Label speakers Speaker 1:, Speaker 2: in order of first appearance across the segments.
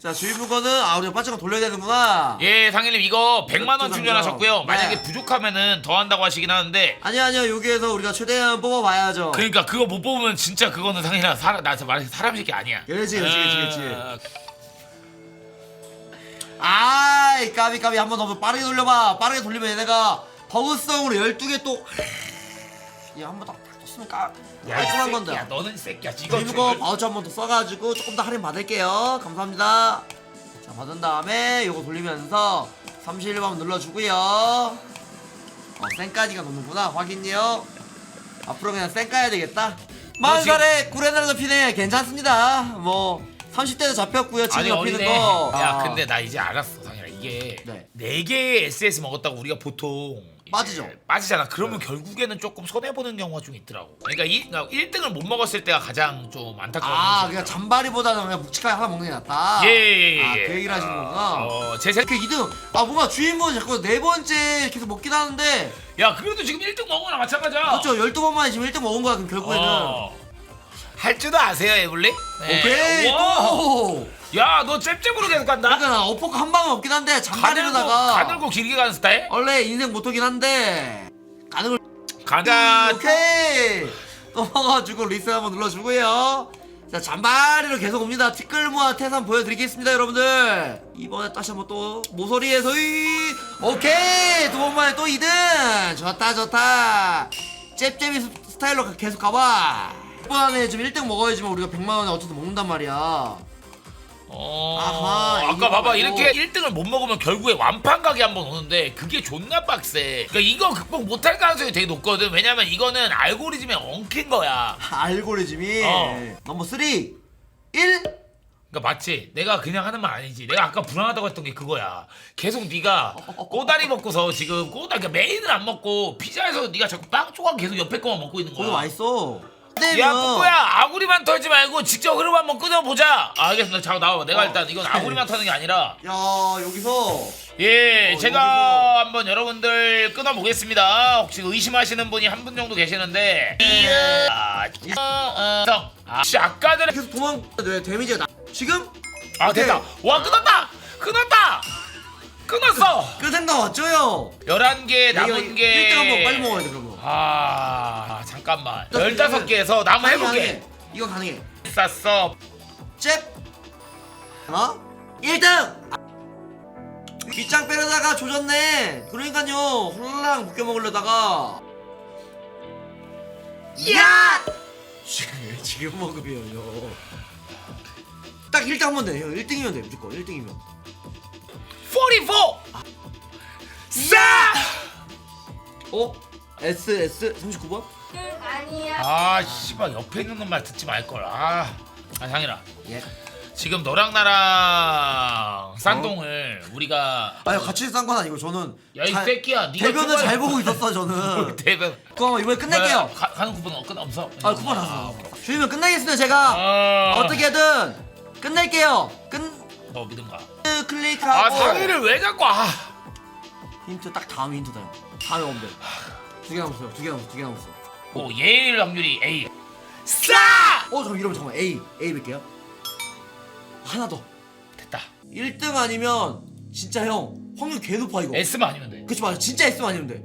Speaker 1: 자 주인분거는 우리가 빠지고 돌려야 되는구나.
Speaker 2: 예, 상일님 이거 100만원 충전하셨고요.
Speaker 1: 네.
Speaker 2: 만약에 부족하면은 더 한다고 하시긴 하는데
Speaker 1: 아니요 여기에서 우리가 최대한 뽑아봐야죠.
Speaker 2: 그러니까 그거 못 뽑으면 진짜 그거는 상일아 나 진짜 말해서 사람 새끼 아니야.
Speaker 1: 그렇지.
Speaker 2: 어,
Speaker 1: 아이 까비 한번 더 빠르게 돌려봐. 빠르게 돌리면 얘네가 버그성으로 12개 또 한번 더 떴으면 깔끔한
Speaker 2: 이
Speaker 1: 건데.
Speaker 2: 새끼야, 너는 이 새끼야. 이거
Speaker 1: 주인분거 바우처 한번 더 써가지고 조금 더 할인 받을게요. 감사합니다. 자 받은 다음에 요거 돌리면서 31번 눌러주고요. 쌩까지가 놓는구나. 확인요. 앞으로 그냥 쌩까야 되겠다. 40살에 구레나루도 피네. 괜찮습니다. 뭐 30대도 잡혔고요. 지금
Speaker 2: 아니
Speaker 1: 잡히는
Speaker 2: 어리네.
Speaker 1: 거.
Speaker 2: 야 근데 나 이제 알았어 상일아. 이게
Speaker 1: 네.
Speaker 2: 4개의 SS 먹었다고 우리가 보통 이제
Speaker 1: 빠지죠.
Speaker 2: 빠지잖아. 그러면 결국에는 조금 손해보는 경우가 좀 있더라고. 그러니까 1등을 못 먹었을 때가 가장 좀 안타까운
Speaker 1: 그냥 잔바리보다는 그냥 묵직하게 하나 먹는 게 낫다.
Speaker 2: 예.
Speaker 1: 그 얘기를 하시는 거구나.
Speaker 2: 제 생각.
Speaker 1: 이렇게 2등. 뭔가 주인분은 자꾸 4번째 계속 먹긴 하는데.
Speaker 2: 야 그래도 지금 1등 먹은 거나 마찬가지야.
Speaker 1: 그렇죠. 12번 만에 지금 1등 먹은 거야. 그럼 결국에는.
Speaker 2: 할 줄도 아세요 에블리? 네.
Speaker 1: 오케이. 또.
Speaker 2: 야너 잽잽으로 계속 간다.
Speaker 1: 그러니까 나 어퍼컷 한 방은 없긴 한데 잔바리로다가
Speaker 2: 가늘고 길게 가는 스타일?
Speaker 1: 원래 인생 모토긴 한데 가능을
Speaker 2: 가자.
Speaker 1: 오케이 또 먹어주고 리셋 한번 눌러주고요. 자 잔바리로 계속 옵니다. 티끌모아 태산 보여드리겠습니다 여러분들. 이번에 다시 한번 또 모서리에서 오케이 2번 만에 또 2등. 좋다 잽잽이 스타일로 계속 가봐. 이번 안에 지금 1등 먹어야지만 우리가 100만원에 어쨌든 먹는단 말이야. 아하,
Speaker 2: 아까 봐봐
Speaker 1: 말고.
Speaker 2: 이렇게 1등을 못 먹으면 결국에 완판 가게 한번 오는데 그게 존나 빡세. 그러니까 이거 극복 못할 가능성이 되게 높거든. 왜냐면 이거는 알고리즘에 엉킨 거야.
Speaker 1: 알고리즘이 넘버 3 1
Speaker 2: 그러니까 맞지? 내가 그냥 하는 말 아니지. 내가 아까 불안하다고 했던 게 그거야. 계속 네가 꼬다리 먹고서 지금 그러니까 메인을 안 먹고 피자에서 네가 자꾸 빵 조각 계속 옆에 거만 먹고 있는 거야.
Speaker 1: 거기 맛있어.
Speaker 2: 야 뿌뿌야 아구리만 털지 말고 직접 흐름 한번 끊어보자. 알겠습니다. 자 나와봐. 내가 일단 이건 아구리만 터는 게 아니라
Speaker 1: 야 여기서
Speaker 2: 제가 한번 여러분들 끊어보겠습니다. 혹시 의심하시는 분이 한 분 정도 계시는데 아까 전에
Speaker 1: 계속 도망 데미지가 지금
Speaker 2: 됐다. 와 끊었다 끊었어.
Speaker 1: 그 생각 왔죠요.
Speaker 2: 11개 남은 게
Speaker 1: 1등 한번 빨리 먹어야 돼 그러면.
Speaker 2: 잠깐만 15개에서 나 한번 해볼게.
Speaker 1: 이거 가능해.
Speaker 2: 쌌어.
Speaker 1: 잽 1등 뒷장 빼려다가 조졌네. 그러니까요 홀랑 묶여 먹으려다가 야 지금 먹으면요 딱 1등 하면 돼. 1등이면 돼 무조건 1등이면
Speaker 2: 44 싸!
Speaker 1: SS 39번?
Speaker 3: 아니야.
Speaker 2: 씨발 옆에 있는 말 듣지 말걸. 상일아
Speaker 1: 예.
Speaker 2: 지금 너랑 나랑 쌍동을 우리가
Speaker 1: 같이 싼 건 아니고 저는
Speaker 2: 야 이 새끼야 니가
Speaker 1: 대변을 잘 보고 있었어 저는.
Speaker 2: 대변
Speaker 1: 그거 이번에 끝낼게요.
Speaker 2: 가는 쿠폰 없어?
Speaker 1: 쿠폰 났어. 주인분 끝내겠습니다 제가. 어떻게든 끝낼게요.
Speaker 2: 너 믿음가.
Speaker 1: 클릭하고
Speaker 2: 상일을 왜 자꾸
Speaker 1: 힌트 딱 다음 힌트다 형. 다음에 오면 돼. 2개 남았어요. 2개 남았어.
Speaker 2: 예일 확률이 A 싸!
Speaker 1: 잠깐 이러면 잠깐만 A 뵐게요. 하나 더.
Speaker 2: 됐다.
Speaker 1: 1등 아니면 진짜 형 확률 개 높아 이거.
Speaker 2: S만 아니면 돼.
Speaker 1: 그치 맞아. 진짜 S만 아니면 돼.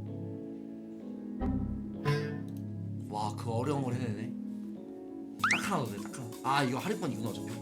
Speaker 1: 와 그 어려운 걸 해내네. 딱 하나 더 돼. 딱 하나. 이거 할인권이구나 어차피.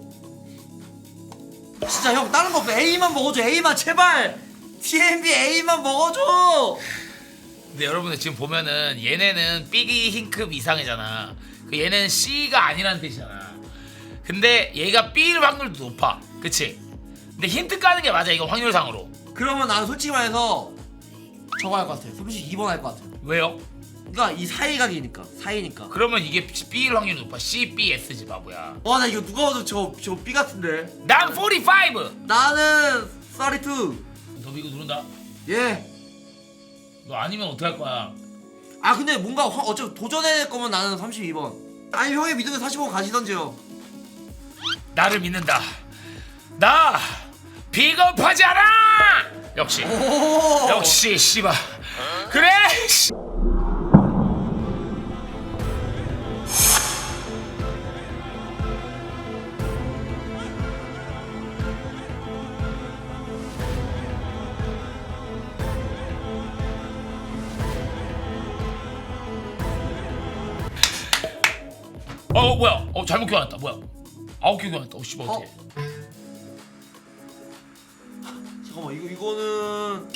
Speaker 1: 진짜 형 다른 거 없어. A만 먹어줘. A만 제발. TMB A만 먹어줘.
Speaker 2: 근데 여러분들 지금 보면은 얘네는 B기 흰급 이상이잖아. 얘는 C가 아니라는 뜻이잖아. 근데 얘가 B일 확률도 높아. 그치? 근데 힌트 까는 게 맞아 이거 확률상으로.
Speaker 1: 그러면 나는 솔직히 말해서 저거 할 것 같아. 32번 할 것 같아.
Speaker 2: 왜요?
Speaker 1: 그러니까 이 사이각이니까. 사이니까.
Speaker 2: 그러면 이게 B일 확률이 높아. C, B, S지 바보야.
Speaker 1: 와 나 이거 누가 봐도 저 B 같은데.
Speaker 2: 난 45!
Speaker 1: 나는 32.
Speaker 2: 너 이거 누른다?
Speaker 1: 예.
Speaker 2: 너 아니면 어떡할 거야?
Speaker 1: 근데 뭔가 어차피 도전해낼 거면 나는 32번. 아니 형의 믿음에 45번 가시던지요.
Speaker 2: 나를 믿는다. 나 비겁하지 않아! 역시 씨발. 그래! 잘못 교환했다. 뭐야? 9개 교환했다. 씨발 어떻게?
Speaker 1: 잠깐만 이거는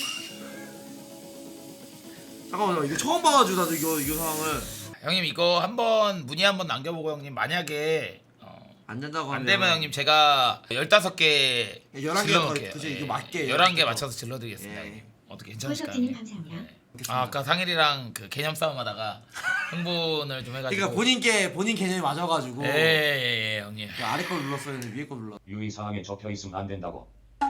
Speaker 1: 잠깐만 이거 처음 봐가지고 나도 이거 상황을
Speaker 2: 형님 이거 한번 문의 한번 남겨보고 형님 만약에
Speaker 1: 안 된다고
Speaker 2: 안
Speaker 1: 하면
Speaker 2: 되면 형님 제가 15개
Speaker 1: 11개
Speaker 2: 질러놓을게요.
Speaker 1: 그치 이거 맞게
Speaker 2: 11개 맞춰서 질러드리겠습니다.
Speaker 1: 예.
Speaker 2: 형님. 어떻게 괜찮으실까요?
Speaker 4: 님
Speaker 2: 형님?
Speaker 4: 감사합니다.
Speaker 2: 아까 상일이랑 그 개념 싸움하다가 흥분을 좀 해가지고.
Speaker 1: 그러니까 본인 개념이 맞아가지고
Speaker 2: 예, 형님.
Speaker 1: 야, 아래 거 눌렀어야 했는데 위에 거 눌렀.
Speaker 5: 유의사항에 적혀 있으면 안 된다고.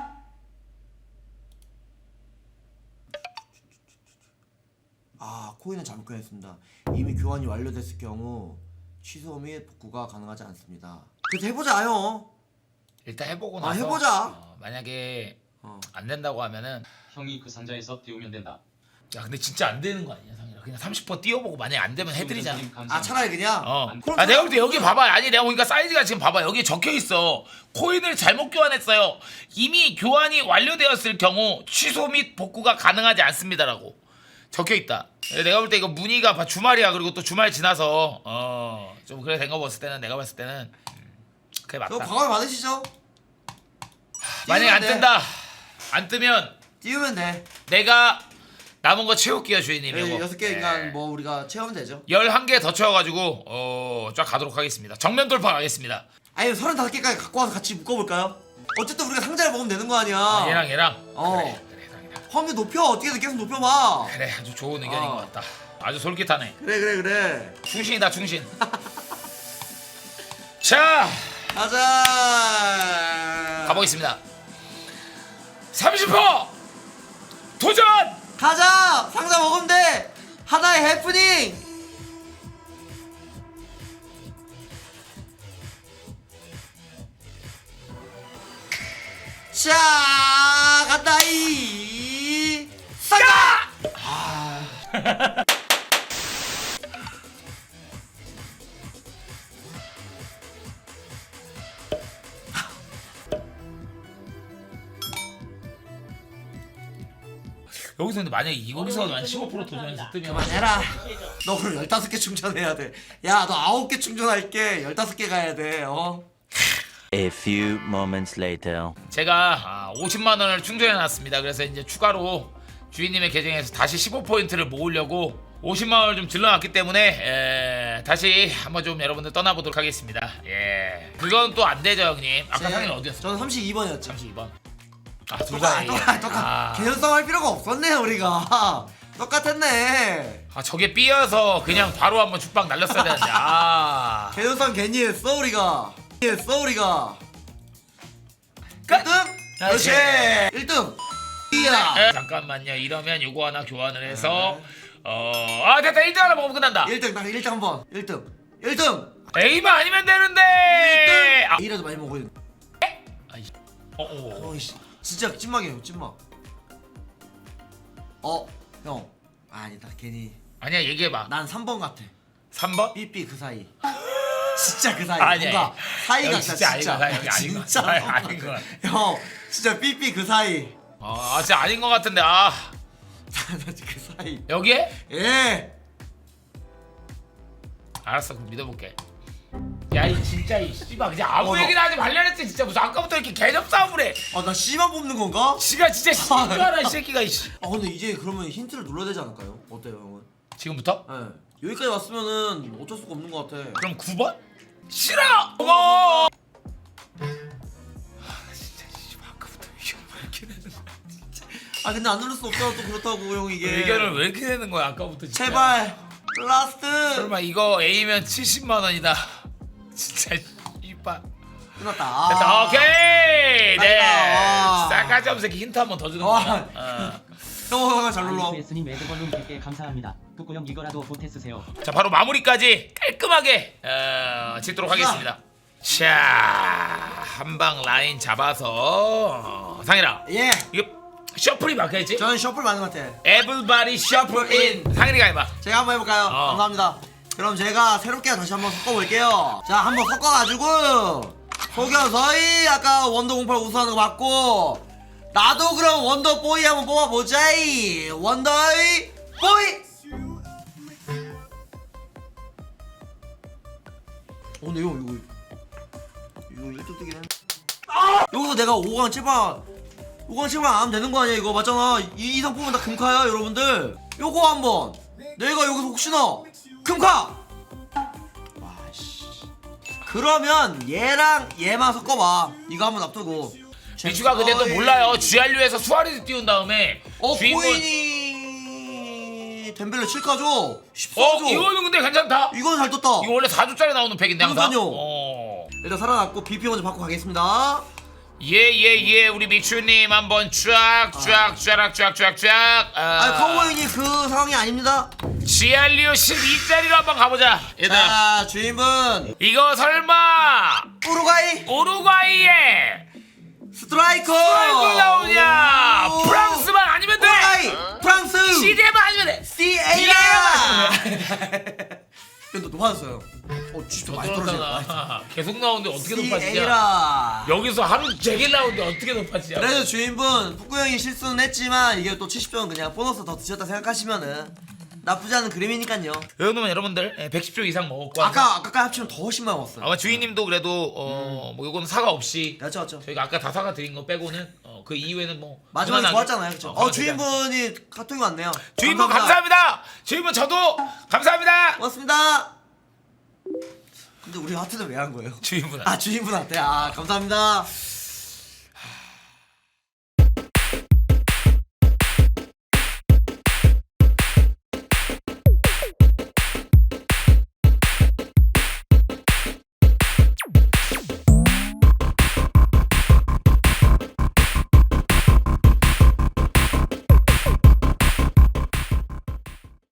Speaker 1: 아 코인은 잘못 교환했습니다. 이미 교환이 완료됐을 경우 취소 및 복구가 가능하지 않습니다. 그래서 해보자 형.
Speaker 2: 일단 해보고
Speaker 1: 아,
Speaker 2: 나서
Speaker 1: 해보자.
Speaker 2: 만약에
Speaker 1: 어.
Speaker 2: 안 된다고 하면은
Speaker 5: 형이 그 산자에서 띄우면 된다.
Speaker 2: 야 근데 진짜 안 되는 거 아니야 상일아? 그냥 30% 띄워보고 만약에 안 되면 해드리잖아.
Speaker 1: 아 차라리 그냥. 그럼
Speaker 2: 내가 볼 때 여기 봐봐. 아니 내가 보니까 사이즈가 지금 봐봐. 여기 적혀 있어. 코인을 잘못 교환했어요. 이미 교환이 완료되었을 경우 취소 및 복구가 가능하지 않습니다라고 적혀 있다. 내가 볼 때 이거 문의가 주말이야. 그리고 또 주말 지나서 좀 그래 된 거 봤을 때는 내가 봤을 때는 그게 맞다.
Speaker 1: 너 과감히 받으시죠.
Speaker 2: 만약에 안
Speaker 1: 띄우면 돼.
Speaker 2: 뜬다. 안 뜨면
Speaker 1: 띄우면 돼.
Speaker 2: 내가 남은 거 채울게요 주인님.
Speaker 1: 네,
Speaker 2: 이거
Speaker 1: 6개니까 뭐 우리가 채우면 되죠.
Speaker 2: 11개 더 채워가지고 쫙 가도록 하겠습니다. 정면 돌파 가겠습니다.
Speaker 1: 아니 35개까지 갖고 와서 같이 묶어볼까요? 어쨌든 우리가 상자를 먹으면 되는 거 아니야.
Speaker 2: 얘랑
Speaker 1: 어.
Speaker 2: 그래.
Speaker 1: 확률 높여. 어떻게든 계속 높여봐.
Speaker 2: 그래 아주 좋은 의견인 것 같다. 아주 솔깃하네.
Speaker 1: 그래.
Speaker 2: 충신이다 충신. 자
Speaker 1: 가자.
Speaker 2: 가보겠습니다. 30% 도전.
Speaker 1: 가자. 상자 먹으면 돼. 하나의 해프닝. 자 간다이. 상자.
Speaker 2: 여기서 근데 만약에 여기서 한 15% 도전해서 뜨면
Speaker 1: 그만해라. 너 그럼 15개 충전해야 돼. 야, 너 9개 충전할게. 15개 가야 돼.
Speaker 6: A few moments later.
Speaker 2: 제가 50만 원을 충전해 놨습니다. 그래서 이제 추가로 주인님의 계정에서 다시 15포인트를 모으려고 50만 원을 좀 질러놨기 때문에 다시 한번 좀 여러분들 떠나보도록 하겠습니다. 예, 그건 또 안 되죠 형님. 아까 상인 어디였어?
Speaker 1: 저는 32번이었죠.
Speaker 2: 32번. 둘 다.
Speaker 1: 똑같. 개연성 할 필요가 없었네, 우리가. 똑같았네.
Speaker 2: 저게 삐어서 그냥 바로 한번 죽방 날렸어야 되는데.
Speaker 1: 개연성 괜히 했어, 우리가.
Speaker 2: 끝!
Speaker 1: 1등? 그렇지. 1등. 이야.
Speaker 2: 잠깐만요. 이러면 요거 하나 교환을 해서 됐다. 1등 하나 먹으면 끝난다.
Speaker 1: 1등, 딱 1등 한 번. 1등.
Speaker 2: A만 아니면 되는데.
Speaker 1: 1등. A라도 많이 먹어야 돼. 어이씨. 진짜 찐막이에요, 찐막. 형. 아니다, 괜히.
Speaker 2: 아니야 얘기해봐.
Speaker 1: 난 3번 같아.
Speaker 2: 3번?
Speaker 1: 삐삐 그 사이. 진짜 그 사이.
Speaker 2: 아니야.
Speaker 1: 뭔가 사이가
Speaker 2: 여기
Speaker 1: 진짜
Speaker 2: 진짜 아닌 거야. 여기 아닌 거야.
Speaker 1: 진짜
Speaker 2: 아닌 거야.
Speaker 1: 형 진짜 삐삐 그 사이.
Speaker 2: 진짜 아닌 것 같은데.
Speaker 1: 그 사이.
Speaker 2: 여기에?
Speaker 1: 예.
Speaker 2: 알았어. 그럼 믿어볼게. 야 이 진짜 이 씨발 그냥 아무
Speaker 1: 너-
Speaker 2: 얘기나 하지 말려냈지. 진짜 무슨 아까부터 이렇게 개념 싸움을 해.
Speaker 1: 나 C만 뽑는 건가?
Speaker 2: 지가 진짜 씨발아 이 새끼가 이씨.
Speaker 1: 근데 이제 그러면 힌트를 눌러야 되지 않을까요? 어때요, 형은?
Speaker 2: 지금부터?
Speaker 1: 예. 여기까지 왔으면은 어쩔 수가 없는 것 같아.
Speaker 2: 그럼 9번? 싫어! 어머! 진짜 씨발 아까부터 의견을 왜 이렇게 내는 거야.
Speaker 1: 근데 안 누를 수 없잖아, 또 그렇다고 형 이게.
Speaker 2: 의견을 왜 이렇게 내는 거야 아까부터 진짜.
Speaker 1: 제발. 라스트.
Speaker 2: 설마 이거 A면 70만 원이다. 진짜 씨발.
Speaker 1: 끝났다.
Speaker 2: 됐다. 오케이. 네.
Speaker 1: 와.
Speaker 2: 싸가지 없는 새끼 힌트 한 번 더 주는 거야.
Speaker 1: 형 잘 눌러.
Speaker 7: 아이스님 매드벌룬 100개 감사합니다. 북구형 이거라도 보태 쓰세요.
Speaker 2: 자 바로 마무리까지 깔끔하게 짓도록 하겠습니다. 자 한방 라인 잡아서 상일아
Speaker 1: 예.
Speaker 2: 이거 셔플이 막혀있지?
Speaker 1: 저는 셔플 맞는 것 같아.
Speaker 2: Everybody shuffle in. 상일이가 해봐.
Speaker 1: 제가 한번 해볼까요? 감사합니다. 그럼 제가 새롭게 다시 한번 섞어볼게요. 자, 한번 섞어가지고 속여서이 아까 원더 08 우수하는 거 맞고 나도 그럼 원더 보이 한번 뽑아보자이. 원더이 보이. 근데 이거 1등 뜨긴 했네. 여기서 내가 5강 7방 안 하면 되는 거 아니야 이거 맞잖아. 이 이상 뽑으면 다 금카야 여러분들. 요거 한번 내가 여기서 혹시나 금카 와씨 그러면 얘랑 얘만 섞어봐. 이거 한번 놔두고
Speaker 2: 미추가 근데 또 몰라요. GRU에서 수아레즈 띄운 다음에
Speaker 1: 코인이 덴벨레 7가죠? 14죠?
Speaker 2: 이거는 근데 괜찮다.
Speaker 1: 이거는 잘 떴다.
Speaker 2: 이거 원래 4조짜리 나오는 팩인데 항상.
Speaker 1: 그러니까요. 일단 살아났고 BP 먼저 받고 가겠습니다.
Speaker 2: 예 우리 미추님 한번 쫙.
Speaker 1: 카우보이님 그 상황이 아닙니다.
Speaker 2: GRU 12짜리로 한번 가보자. 얘들아.
Speaker 1: 자 주인분
Speaker 2: 이거 설마 오루과이에
Speaker 1: 스트라이커
Speaker 2: 나오냐?
Speaker 1: 오.
Speaker 2: 프랑스만 아니면 돼.
Speaker 1: 오루과이 프랑스
Speaker 2: CD만 아니면 돼.
Speaker 1: CA라 또 높아졌어요. 진짜 많이 떨어졌네.
Speaker 2: 떨어졌잖아. 계속 나오는데 어떻게 높아지냐?
Speaker 1: CA라
Speaker 2: 여기서 하루 종일 나오는데 어떻게 높아지냐?
Speaker 1: 그래도 주인분 푸꾸 형이 실수는 했지만 이게 또 70점은 그냥 보너스 더 드셨다 생각하시면은 나쁘지 않은 그림이니까요.
Speaker 2: 여러분 여러분들 110조 이상 먹었고
Speaker 1: 아까까지 합치면 더 훨씬 많이 먹었어요.
Speaker 2: 아마 주인님도 그래도 뭐 이거는 사과 없이
Speaker 1: 맞죠.
Speaker 2: 저희가 아까 다 사과 드린 거 빼고는 그 이후에는 뭐
Speaker 1: 마지막에
Speaker 2: 무난하게.
Speaker 1: 좋았잖아요, 그렇죠?
Speaker 2: 그냥.
Speaker 1: 주인분이 카톡이 왔네요.
Speaker 2: 주인분 감사합니다. 주인분 저도 감사합니다.
Speaker 1: 고맙습니다. 근데 우리 하트는 왜 한 거예요?
Speaker 2: 주인분
Speaker 1: 주인분한테 감사합니다.